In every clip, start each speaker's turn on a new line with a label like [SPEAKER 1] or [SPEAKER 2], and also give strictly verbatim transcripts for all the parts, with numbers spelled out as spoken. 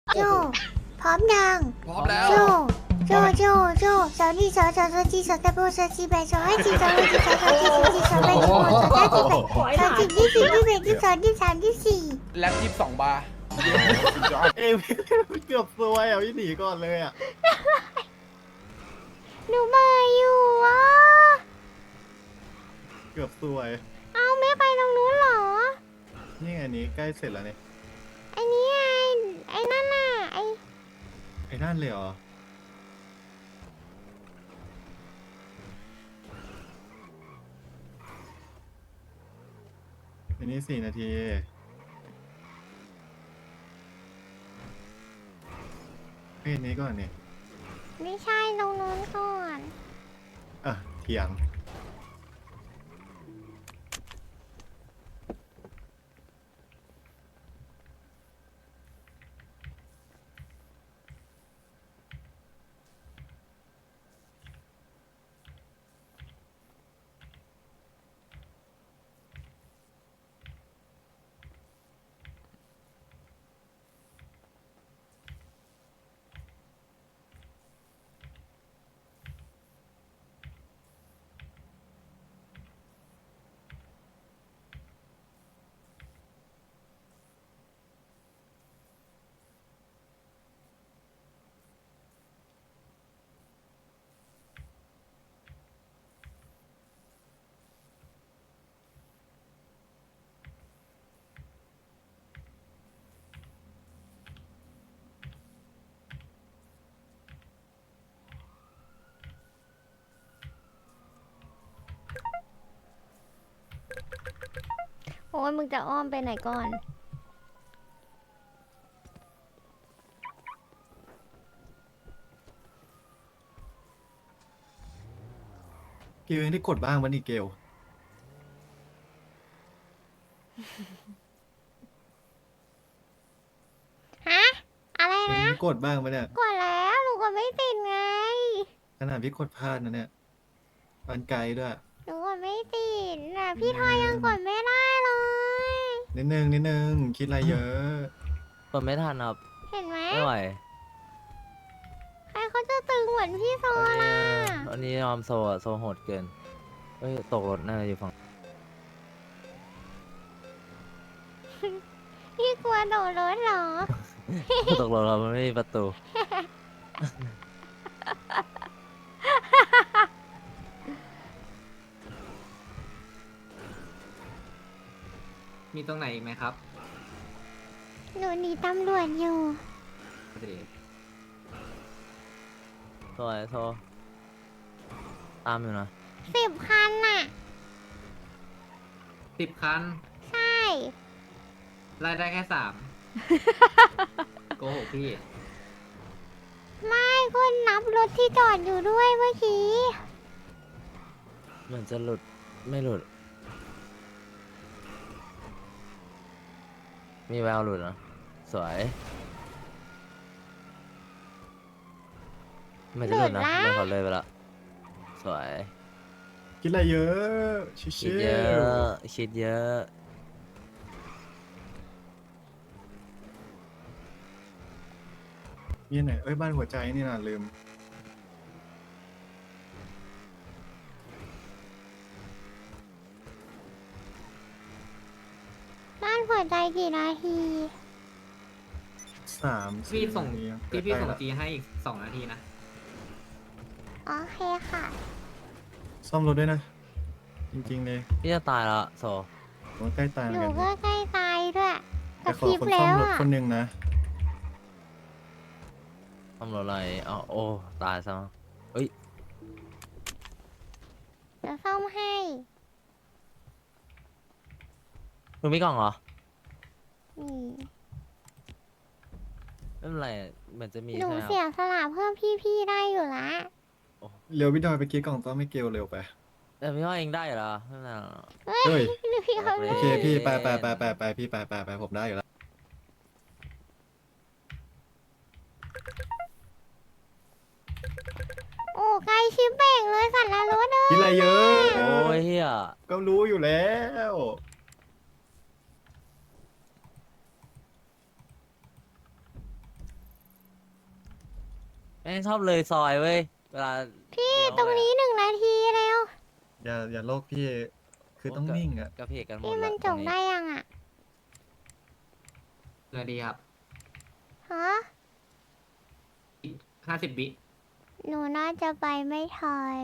[SPEAKER 1] โจพร้อมยัง
[SPEAKER 2] พร้อมแล้ว
[SPEAKER 1] โจโจโจโจสาวนี่สาวสาวสาวจีสาวตะโบสาวจีแบสาวให้จีสาวให้จีสาวสาวจีสาวจีสาวแบสาวสาวจีแบสาวจีที่สี่ที่แบที่สองที่สามที่สี่
[SPEAKER 2] แล็บยี่สิบสองบาร์
[SPEAKER 3] เอ้ยเกือบซวยอ่ะพี่หนีก่อนเลยอ่ะ
[SPEAKER 1] หนูมาอยู่อ่ะ
[SPEAKER 3] เกือบซวย
[SPEAKER 1] เอาไม่ไปตรงนู้นเหรอ
[SPEAKER 3] นี่ไงนี้ใกล้เสร็จแล้วเนี่ย
[SPEAKER 1] ไอ้นี่ไงไอ้นั่นน่ะไอ้
[SPEAKER 3] ไอ้นั่นเลยเหรออันนี้สี่นาทีเฮ้ยนี้ก่อนเนี่ย
[SPEAKER 1] ไม่ใช่ตรงนู้นก่อน
[SPEAKER 3] อ่ะเถียง
[SPEAKER 1] โอ้ยมึงจะอ้อมไปไหนก่อน
[SPEAKER 3] เกลยังได้กดบ้างวันนี้เกล
[SPEAKER 1] ฮะ อะไร
[SPEAKER 3] ยัง
[SPEAKER 1] นะ
[SPEAKER 3] ได้กดบ้างปะเนี่ย
[SPEAKER 1] กดแล้วหนูก็ไม่ติดไง
[SPEAKER 3] ขนาดพี่กดพลาดนะเนี่ยปันไกลด้วย
[SPEAKER 1] หนูก็ไม่ติดนะพี่ทอยยังกดไม่ได้เลย
[SPEAKER 3] นิดนึงนิดนึงคิดอะไรเยอะ
[SPEAKER 4] กดไม่ทันครับ
[SPEAKER 1] เห็นไหม
[SPEAKER 4] ไม่ไหว
[SPEAKER 1] ใครเขาจะตึงเหมือนพี่โซ
[SPEAKER 4] วัน
[SPEAKER 1] ล่ะ
[SPEAKER 4] นี้วันนี้ยอมโซอะโซโหดเกินเฮ้ยตกรถน่าจะอยู่ฝั่ง
[SPEAKER 1] พี่กลัวโดดรถเหรอ
[SPEAKER 4] ตกรถเรามันไม่มีประตู
[SPEAKER 5] มีตรงไหนอีกไหมครับ
[SPEAKER 1] หนูหนีตำรวจอยู่
[SPEAKER 4] โซไอโซตามอยู่นะ
[SPEAKER 1] สิบคันน่ะ
[SPEAKER 5] สิบคัน
[SPEAKER 1] ใช่
[SPEAKER 5] ไล่ได้แค่สาม โกหกพี่
[SPEAKER 1] ไม่ก็นับรถที่จอดอยู่ด้วยเมื่อกี้
[SPEAKER 4] เหมือนจะหลุดไม่หลุด มีแววหลุดนะสวยไม่จะหลุดนะ
[SPEAKER 1] หลุดละ
[SPEAKER 4] ไม่ขอเลยไปละสวย
[SPEAKER 3] คิดอะไรเยอะชิ
[SPEAKER 4] คิด
[SPEAKER 3] ว
[SPEAKER 4] เยอะคิดเยอะ
[SPEAKER 3] ๆนี่ไหนเอ้ยบ้านหัวใจนี่นะลืม
[SPEAKER 1] บ้านหัวใจกี่นาที
[SPEAKER 3] สาม
[SPEAKER 5] พี่ส่ง
[SPEAKER 3] นาที
[SPEAKER 5] พี่พี่ส่ง
[SPEAKER 3] ใกล้ๆละ
[SPEAKER 5] จีให้อีกสองนาทีนะ
[SPEAKER 1] โอเคค่ะ
[SPEAKER 3] ซ่อมรถด้วยนะ จริงๆเลย
[SPEAKER 4] พี่จะตายแล้วโซ
[SPEAKER 3] ผมใกล้ตายเห
[SPEAKER 1] ห
[SPEAKER 3] มือน
[SPEAKER 1] นู
[SPEAKER 3] กัน
[SPEAKER 1] ก็ใกล้ตายด้วยก
[SPEAKER 3] แต่
[SPEAKER 1] ระ
[SPEAKER 3] ข
[SPEAKER 1] พ
[SPEAKER 3] อ
[SPEAKER 1] ริบ
[SPEAKER 3] คน
[SPEAKER 1] แล้
[SPEAKER 3] ซ่อม
[SPEAKER 1] ว
[SPEAKER 3] รถ
[SPEAKER 1] อ่ะ
[SPEAKER 3] คนหนึ่งนะ
[SPEAKER 4] ทำรถอะไรเอาโอ้ตายซะมั้งเอ้ย
[SPEAKER 1] จะซ่อมให้
[SPEAKER 4] มึงมีกล่องเหรอ
[SPEAKER 1] นี่
[SPEAKER 4] ไม่เป็นไรเหมือนจะมี
[SPEAKER 1] หนู
[SPEAKER 4] ใช่ไหมค
[SPEAKER 1] เสี
[SPEAKER 4] รับ
[SPEAKER 1] ยสละเพิ่มพี่ๆได้อยู่ละ
[SPEAKER 3] เร็วพี่ดอยไปกี้กล่องต้อมไม่เกลเร็วไป
[SPEAKER 4] แต่พี่ว่าเองได้เหรอไม่เป็นไรหรอก
[SPEAKER 3] เฮ้ย
[SPEAKER 1] หรือพี่เขา
[SPEAKER 4] โอ
[SPEAKER 3] โอเคพี่ไปไปไปไปไปพี่ไปไปไปผมได้อยู่แล้ว
[SPEAKER 1] โอ้ไกลชิปเป่งเลยสัตว์ละรถเด้
[SPEAKER 3] คิดอะไรเยอะ
[SPEAKER 4] โอ้ยเฮีย
[SPEAKER 3] ก็รู้อยู่แล้ว
[SPEAKER 4] ม่งชอบเลยซอยเว้ยเวลา
[SPEAKER 1] พี่
[SPEAKER 4] เลี้ยว
[SPEAKER 1] ตรงนี้หนึ่งนาทีแล้ว
[SPEAKER 2] อย่าอย่าโลกพี่คือต้องนิ่งอ่ะ
[SPEAKER 4] กระเพกกันหมด
[SPEAKER 1] พี่
[SPEAKER 4] ละ
[SPEAKER 1] มันจ
[SPEAKER 4] ตร
[SPEAKER 1] บ
[SPEAKER 4] งนี้
[SPEAKER 1] ได้ยังอ่ะ
[SPEAKER 5] เงินดีครับ
[SPEAKER 1] ฮะ
[SPEAKER 5] ห้าสิบวิ
[SPEAKER 1] หนูน่าจะไปไม่ทัน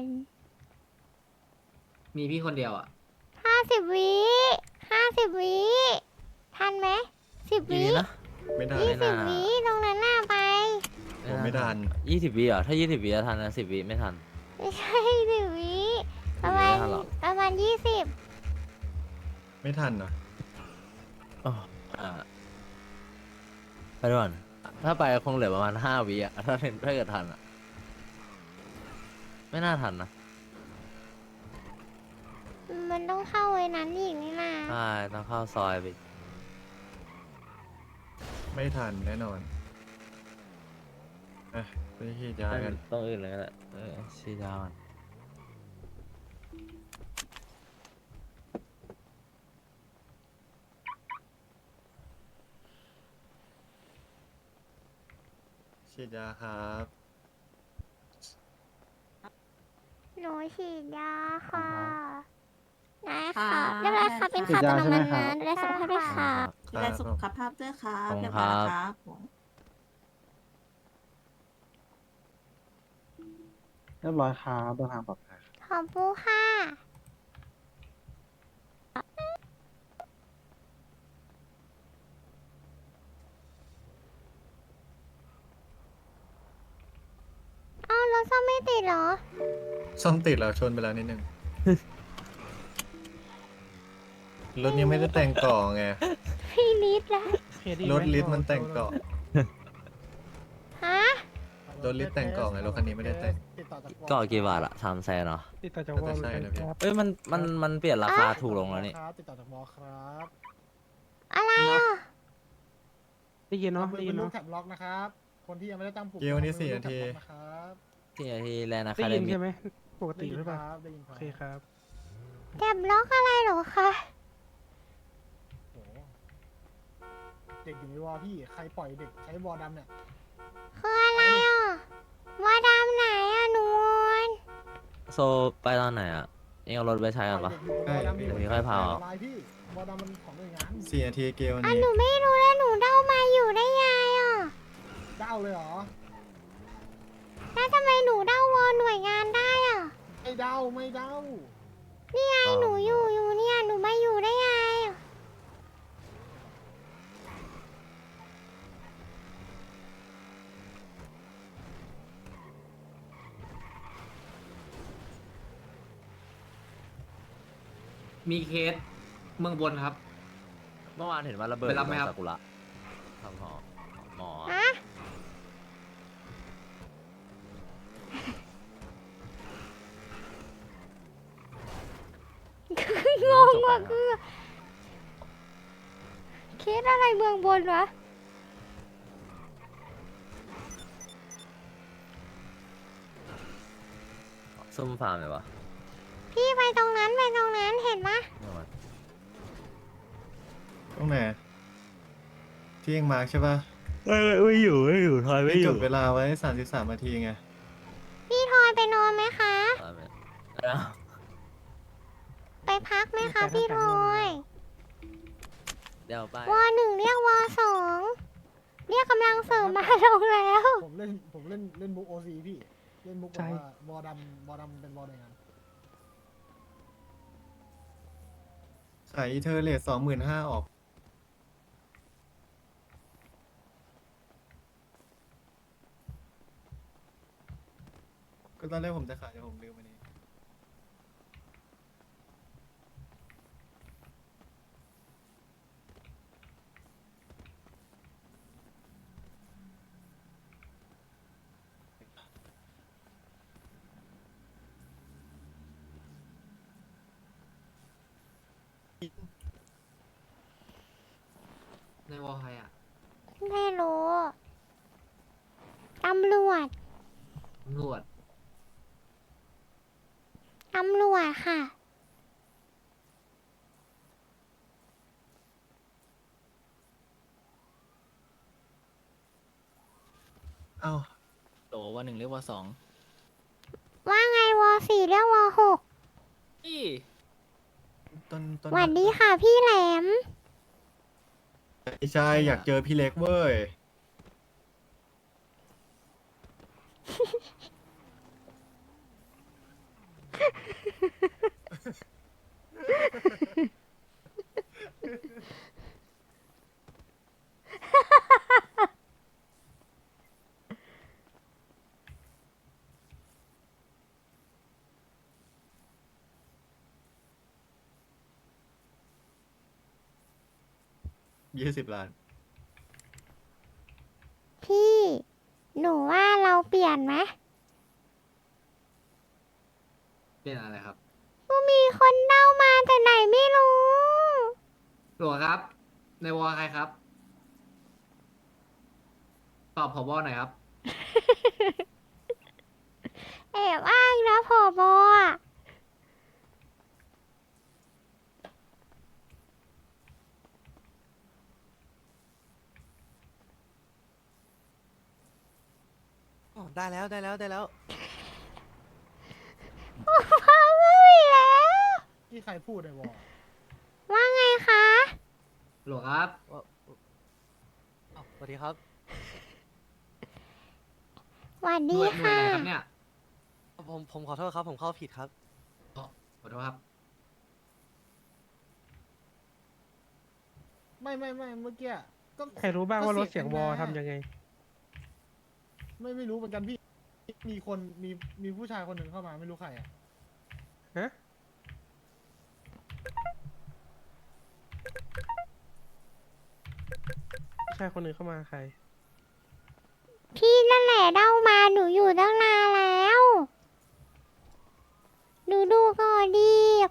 [SPEAKER 5] มีพี่คนเดียวอ่ะ
[SPEAKER 1] ห้าสิบวิห้าสิบวิทันไหมสิบ
[SPEAKER 4] กี่
[SPEAKER 1] วิ
[SPEAKER 4] วินะ
[SPEAKER 2] ไม่ได้
[SPEAKER 1] ยี่
[SPEAKER 4] ไม่
[SPEAKER 1] สิบ
[SPEAKER 4] น่า
[SPEAKER 1] วิตรงนั้นน่าไป
[SPEAKER 2] ผมไม่ทัน
[SPEAKER 4] ยี่สิบวิเหรอถ้ายี่สิบวิจะทันนะสิบวิไม่ทัน
[SPEAKER 1] ไม่ใช่สิบวิประมาณ
[SPEAKER 4] ไม่ทันหรอก
[SPEAKER 1] ประมาณยี่สิบ
[SPEAKER 2] ไม่ทันเหรอ
[SPEAKER 4] อ๋ออ่าไปด่วนถ้าไปคงเหลือประมาณห้าวิอะถ้าเป็นถ้าเกิดทันอะไม่น่าทันนะ
[SPEAKER 1] มันต้องเข้าไว้นั้นอีกนี่นะ
[SPEAKER 4] ใช่ต้องเข้าซอยไป
[SPEAKER 2] ไม่ทันแน่นอนอ่ะไปที่ยากัน
[SPEAKER 4] ต้องอื่นเลยก็ได้เออชีดามัน
[SPEAKER 2] ฉีดยาครับ
[SPEAKER 1] หนูฉีดยาค่ะได้
[SPEAKER 6] ค่ะ
[SPEAKER 1] ค่ะเรียบร้อยค่ะเป็น
[SPEAKER 6] ฉี
[SPEAKER 1] ข่าว
[SPEAKER 6] ดยา
[SPEAKER 1] ต
[SPEAKER 6] ใช่ไหม
[SPEAKER 1] น้ำมัน
[SPEAKER 6] ครับ
[SPEAKER 1] นะดูแลสุขภาพด้วยค่ะ
[SPEAKER 6] ดูแลสุขภาพด้วยครับ
[SPEAKER 4] ขอบคุ
[SPEAKER 6] เรีย
[SPEAKER 4] ณ
[SPEAKER 6] บ
[SPEAKER 4] ค
[SPEAKER 6] ร้อย
[SPEAKER 4] รับ
[SPEAKER 6] ครับผม
[SPEAKER 7] เรียบร้อยครับเดินทางปลอดภัย
[SPEAKER 1] ขอบคุณค่ะเอ้ารถซ่อมไม่ติดเหรอ
[SPEAKER 2] ซ่อมติดแล้วชนไปแล้วนิดนึง รถยังไม่ได้แต่งเกาะไง
[SPEAKER 1] พี่นิดแล้ว
[SPEAKER 2] รถลิฟต์มันแต่งเกาะ
[SPEAKER 1] ฮะ
[SPEAKER 2] รถลิฟต์แต่งเกาะไงรถคันนี้ไม่ได้แต่ง
[SPEAKER 3] ติดต่อจาก
[SPEAKER 4] ก็กี่บาทอะสามแสนเหรอ
[SPEAKER 3] ติดต่อจาก
[SPEAKER 2] น่าจะใช่นะพี่
[SPEAKER 4] เอ้ยมันมันมันเปลี่ยนราคาถูกลงแล้วนี่
[SPEAKER 3] ครับติดต่อจากมอครับ
[SPEAKER 1] อะไรอ่ะ
[SPEAKER 3] ได้ยินเนาะได้ยินเนาะแคปล็อกนะครับ คนที่ยังไม่ได้ตั้งปุ่ม
[SPEAKER 2] เกมวันนี้สี่นาที
[SPEAKER 3] นะครับ
[SPEAKER 4] ที่ที่แลนด์อะ
[SPEAKER 8] ได้
[SPEAKER 4] คาเด
[SPEAKER 8] ยิน
[SPEAKER 4] มี่
[SPEAKER 8] ใช่ไหมปก
[SPEAKER 3] ได้
[SPEAKER 8] ติ
[SPEAKER 3] ยิน
[SPEAKER 8] หรือ
[SPEAKER 3] ค
[SPEAKER 8] เปล่า
[SPEAKER 3] รับได้ยินค
[SPEAKER 8] โอ
[SPEAKER 3] รับ
[SPEAKER 8] เคครับ
[SPEAKER 1] แก็บล็อกอะไรเหรอคะ
[SPEAKER 3] โอ้โหเด็กอยู่ในวอพี่ ใครปล่อยเด็กใช้วอดำเนี่ย
[SPEAKER 1] คืออะไรอ่ะวาดามไหนอ่ะหนวล
[SPEAKER 4] โซไปตอนไหนอะเองเอารถไปใช้กันปะ
[SPEAKER 3] ปล่อยเด็กอยู่บนวอดำ
[SPEAKER 4] เดี๋ยวพี่ค่อยพา
[SPEAKER 3] ลายพี่วอดำมันของหน่วยงาน
[SPEAKER 2] สี่นาทีเกมวัน
[SPEAKER 1] อ่ะ
[SPEAKER 2] นี้
[SPEAKER 1] หนูไม่รู้แล้วหนูเดามาอยู่ได้ไงอ่ะ
[SPEAKER 3] เด้าเลยเหรอ
[SPEAKER 1] แล้วทำไมหนูเดาวอหน่วยงานได้อ่ะ
[SPEAKER 3] ไม่เด้าไม่เด้า
[SPEAKER 1] นี่ไงหนูอยู่อยู่เนี่ยหนูมาอยู่ได้ไงอ่ะ
[SPEAKER 5] มีเคสเมืองบนครับ
[SPEAKER 4] เมื่อวานเห็นว่าระเบิด
[SPEAKER 5] ไปรับไหมครับ
[SPEAKER 4] ซากุระทำหอหมอ
[SPEAKER 1] ฮะงงว่ะคือเคสอะไรเมืองบนวะ
[SPEAKER 4] ซุ่มฟาร์มเลยวะ
[SPEAKER 1] พี่ไปตรงนั้นไปตรงนั้นเห็นปะ
[SPEAKER 4] เมื่อวาน
[SPEAKER 2] ตรงไหนที่เองมาร์คใช่ป่ะ
[SPEAKER 4] ไม่ไม่อยู่ไม่อยู่ทอยไม่
[SPEAKER 2] ที่
[SPEAKER 4] อ
[SPEAKER 2] จ
[SPEAKER 4] ยู่
[SPEAKER 2] ดเวลาไว้สามสิบสามนาทีไง
[SPEAKER 1] พี่ทอยไปนอนไหมคะ
[SPEAKER 4] ทอยไม่อ้าว
[SPEAKER 1] ไปพักไหมคะพี่ทอย
[SPEAKER 4] เดี๋ยวไป
[SPEAKER 1] วอหนึ่งเรียกวอสองเรียกกำลังเสริมมาลงแล้ว
[SPEAKER 3] ผมเล่นผมเล่นเล่นมุกโอซีพี่ เล่นมุกแบบว่าวอดำวอดำเป็นวอหน่วยงาน
[SPEAKER 2] ขายอีเทอร์เลทสองหมื่นห้าออก ก็ตอนแรกผมจะขายแต่ผมลืมอันนี้
[SPEAKER 5] ในวอลใครอ่ะ
[SPEAKER 1] ไม่รู้ตำรวจ
[SPEAKER 5] ตำรวจ
[SPEAKER 1] ตำรวจค่ะ
[SPEAKER 2] เอ้า
[SPEAKER 4] โตว
[SPEAKER 8] วหนึ่งเรียกวสอง
[SPEAKER 1] ว่าไงวอสี่เรียกวอหก
[SPEAKER 8] อี้
[SPEAKER 2] ต้นต้น
[SPEAKER 1] หวัดดีค่ะพี่แหลม
[SPEAKER 2] ไม่ใช่อยากเจอพี่เล็กเว้ย ยี่สิบล้าน
[SPEAKER 1] พี่ หนูว่าเราเปลี่ยนไหม
[SPEAKER 5] เป็นอะไรครับ
[SPEAKER 1] ก็มีคนเด้ามาแต่ไหนไม่รู้
[SPEAKER 5] หลวงครับ ในวอใครครับ ตอบผบหน่อยครับ
[SPEAKER 1] แอบอ้างนะผอบอะ
[SPEAKER 9] อ๋อได้แล้วได้แล้วได้แล้ว
[SPEAKER 1] พ่อไม่มีแล้ว
[SPEAKER 3] ที่ใครพูดในวอล
[SPEAKER 1] ว่าไงคะ
[SPEAKER 5] หลวงครับ
[SPEAKER 9] อ้าวสวัสดีครับ
[SPEAKER 1] หวัด
[SPEAKER 5] ห
[SPEAKER 1] ดี
[SPEAKER 5] น่วยหน่วย
[SPEAKER 1] ค่ะ
[SPEAKER 5] ไหนครับเนี่ย
[SPEAKER 9] ผมผมขอโทษครับ ผมเข้าผิดครับ
[SPEAKER 5] อ๋อขอโทษครับ
[SPEAKER 3] ไม่ไม่ไม่เมื่อกี้ก็
[SPEAKER 10] ใครรู้บ้างว่ารถ
[SPEAKER 3] ก็
[SPEAKER 10] เสียงวอลทำยังไง
[SPEAKER 3] ไม่ไม่รู้เหมือนกันพี่มีคนมีมีผู้ชายคนหนึ่งเข้ามาไม่รู้ใครอ่ะ
[SPEAKER 10] ฮะ ผู้ชายคนหนึ่งเข้ามาใคร
[SPEAKER 1] พี่นั่นแหละเด้ามาหนูอยู่ตั้งนานแล้วดูดูก่อนดี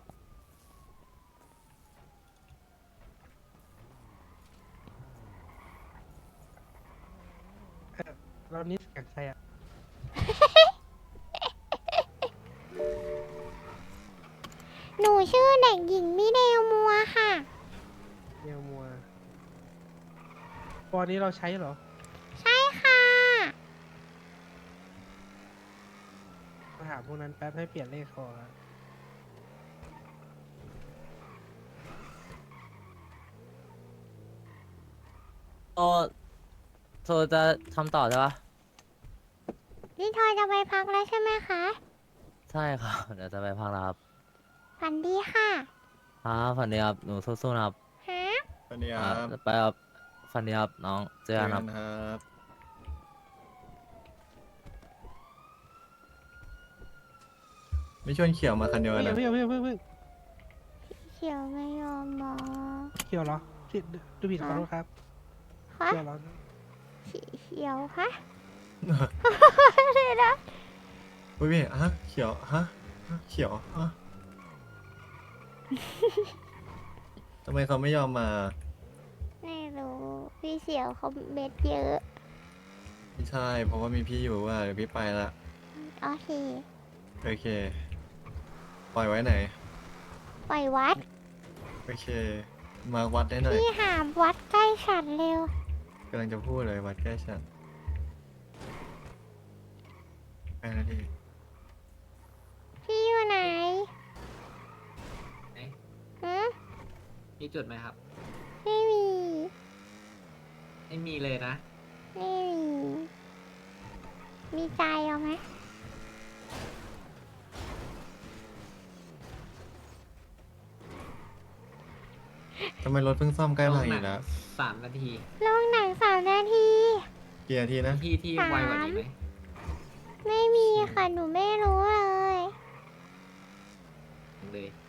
[SPEAKER 10] เรานี่เสียงใครอ่ะ
[SPEAKER 1] หนูชื่อเด็กหญิงมิเดลมัวค่ะ
[SPEAKER 10] เนียวมัววอลนี้เราใช้เหรอ
[SPEAKER 1] ใช่ค่ะ
[SPEAKER 10] มาถามพวกนั้นแป๊บให้เปลี่ยนเลขคอครับ
[SPEAKER 4] โซโซจะทำต่อใช่ปะ
[SPEAKER 1] นี่ทอยจะไปพักแล้วใช่ไหมคะ
[SPEAKER 4] ใช่ครับ เดี๋ยวจะไปพักแล้วครับ
[SPEAKER 1] ฝันดีค่ะ
[SPEAKER 4] ครับฝันดีครับหนูสู้ๆนะครับ
[SPEAKER 1] ฮะ
[SPEAKER 2] สวัสดีค
[SPEAKER 4] ค
[SPEAKER 2] รั
[SPEAKER 4] รับบ ไปครับฝันดีครับน้องเจ
[SPEAKER 2] เจ
[SPEAKER 4] อ
[SPEAKER 2] อ
[SPEAKER 4] กันค
[SPEAKER 2] กั
[SPEAKER 4] รับ
[SPEAKER 2] นครับ ไม่ชวนเขียวมาคันเดียว
[SPEAKER 10] เฮ้ย
[SPEAKER 2] นะ
[SPEAKER 10] เพิ่งเพิ่งเพิ่งเพิ่ง
[SPEAKER 1] เขียวไม่ยอมมอง
[SPEAKER 10] เขียวเหรอผิดดูผิดขอโทษครับ
[SPEAKER 1] คะ
[SPEAKER 10] เขียวเหรอ
[SPEAKER 1] สีเขียวคะ
[SPEAKER 2] อุ้ยพี่ฮะเขียวฮะฮะเขียวฮะทำไมเขาไม่ยอมมา
[SPEAKER 1] ไม่รู้พี่เขียวเขาเม็ดเยอะ
[SPEAKER 2] ไม่ใช่ เพราะว่ามีพี่อยู่ว่าเดี๋ยวพี่ไปละ
[SPEAKER 1] โอเค
[SPEAKER 2] โอเค ปล่อยไว้ไหน
[SPEAKER 1] ปล่อยวัด
[SPEAKER 2] โอเค มาวัดได้หน่อย
[SPEAKER 1] พี่หามวัดใกล้ฉันเร็ว
[SPEAKER 2] กำลังจะพูดเลยวัดใกล้ฉันแปดนาที
[SPEAKER 1] พี่อยู่ไหน
[SPEAKER 5] ไหน
[SPEAKER 1] ฮะ
[SPEAKER 5] มีจุดไหมครับ
[SPEAKER 1] ไม่มี
[SPEAKER 5] ไม่มีเลยนะ
[SPEAKER 1] ไม่มี มีใจเอาไหม
[SPEAKER 2] ทำไมรถเพิ่งซ่อมใกล้พังอีกแล้ว
[SPEAKER 5] สามนาที
[SPEAKER 1] ลงหนังสามนาที
[SPEAKER 2] กี่นาทีนะ
[SPEAKER 5] ที่ที่ไวกว่านี้ไหม
[SPEAKER 1] ไม่มีค่ะ หนูไม่รู้เลย
[SPEAKER 5] เลย